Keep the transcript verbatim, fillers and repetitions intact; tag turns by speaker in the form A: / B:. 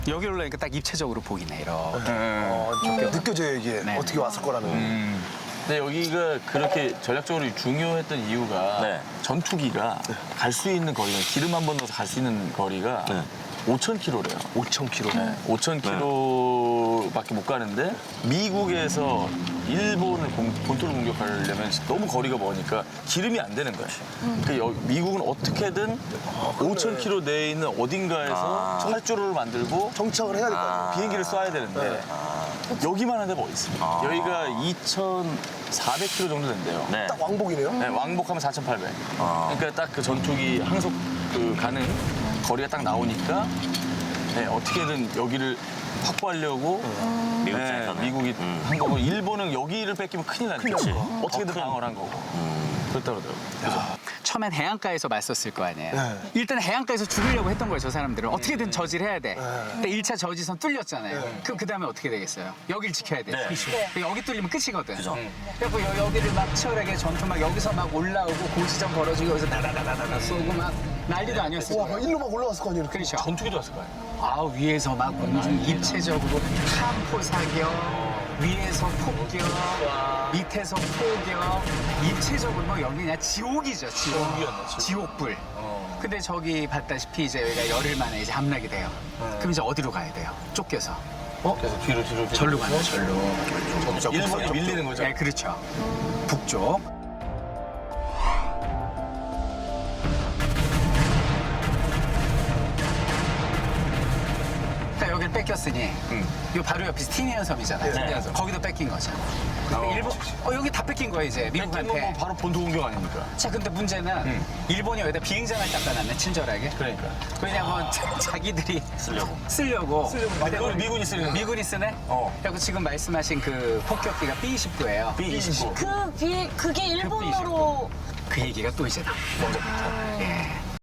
A: 여기 올라니까 딱 입체적으로 보이네, 이렇게.
B: 어, 좀 느껴져요, 이게.
A: 네.
B: 어떻게 왔을 거라는.
C: 음. 근데 여기가 그렇게 전략적으로 중요했던 이유가
D: 네.
C: 전투기가 갈 수 있는 거리가 기름 한 번 넣어서 갈 수 있는 거리가
D: 네.
C: 오천 킬로미터래요.
B: 오천 킬로미터.
C: 네. 오천 킬로미터밖에 못 가는데 미국에서 일본을 공- 본토를 공격하려면 너무 거리가 머니까 기름이 안 되는 거야. 그러니까 여- 미국은 어떻게든 오천 킬로미터 내에 있는 어딘가에서
D: 아.
C: 활주로를 만들고
B: 정착을 해야 될 거 아니에요.
C: 비행기를 쏴야 되는데 여기만 한 데가 어디 있습니까?
D: 아.
C: 여기가 이천사백 킬로미터 정도 된대요.
D: 네.
B: 딱 왕복이네요.
C: 네, 왕복하면 사천팔백.
D: 아.
C: 그러니까 딱 그 전투기 항속 그 가는 거리가 딱 나오니까 네, 어떻게든 여기를 확보하려고
D: 미국
C: 네,
D: 입장에서는.
C: 미국이
D: 음.
C: 한 거고 일본은 여기를 뺏기면 큰일 나니까
B: 그치.
C: 어떻게든 방어를 한 거고 그렇다 그러더라고요.
A: 처음엔 해안가에서 맞섰을 거 아니에요.
B: 네.
A: 일단 해안가에서 죽이려고 했던 거예요, 저 사람들은. 어떻게든 저지해야 돼. 근데 일 차 저지선 뚫렸잖아요. 그럼 그 다음에 어떻게 되겠어요? 여길 지켜야 돼.
D: 네.
A: 여기 뚫리면 끝이거든.
D: 그죠.
A: 그래서 여- 여기를 막 치열하게 전투 막 여기서 막 올라오고 고지점 벌어지고 여기서 나다다다다다 쏘고 막 난리도 아니었을
B: 와,
A: 거예요.
B: 일로 막 올라갔을 거 아니에요. 이렇게.
A: 그렇죠.
C: 전투기도 왔을 거예요.
A: 아, 위에서 막 공중 입체적으로 탐포 사격, 위에서 폭격, 밑에서 포격, 입체적으로 뭐 여기 그냥 지옥이죠, 지옥.
C: 지옥이었네, 지옥.
A: 지옥불.
C: 어.
A: 근데 저기 봤다시피 이제 여기가 열흘 만에 이제 함락이 돼요. 그럼 이제 어디로 가야 돼요? 쫓겨서.
C: 그래서 뒤로 뒤로 뒤로.
A: 절로 가요, 절로.
C: 일본이 밀리는 거죠.
A: 네, 그렇죠. 북쪽. 그러니까 여기를 뺏겼으니 요 바로 옆이 스티니안 섬이잖아요.
D: 네.
A: 거기도 뺏긴 거죠. 근데 일본, 어, 여기 다 뺏긴 거예요, 이제
C: 뺏기면 뭐
A: 미국한테.
C: 바로 본토 공격 아닙니까?
A: 자, 근데 문제는 일본이 여기다 비행장을 닦아놨네, 친절하게.
C: 그러니까.
A: 왜냐면 자, 자기들이
D: 쓰려고.
A: 쓰려고. 근데
C: 그걸 미군이 쓰는
A: 미군이 쓰네?
C: 어.
A: 그리고 지금 말씀하신 그 폭격기가 비 이십구예요.
C: 비 이십구.
E: 그 비, 그게 일본어로
A: 그 얘기가 또 이제 나와요. 예.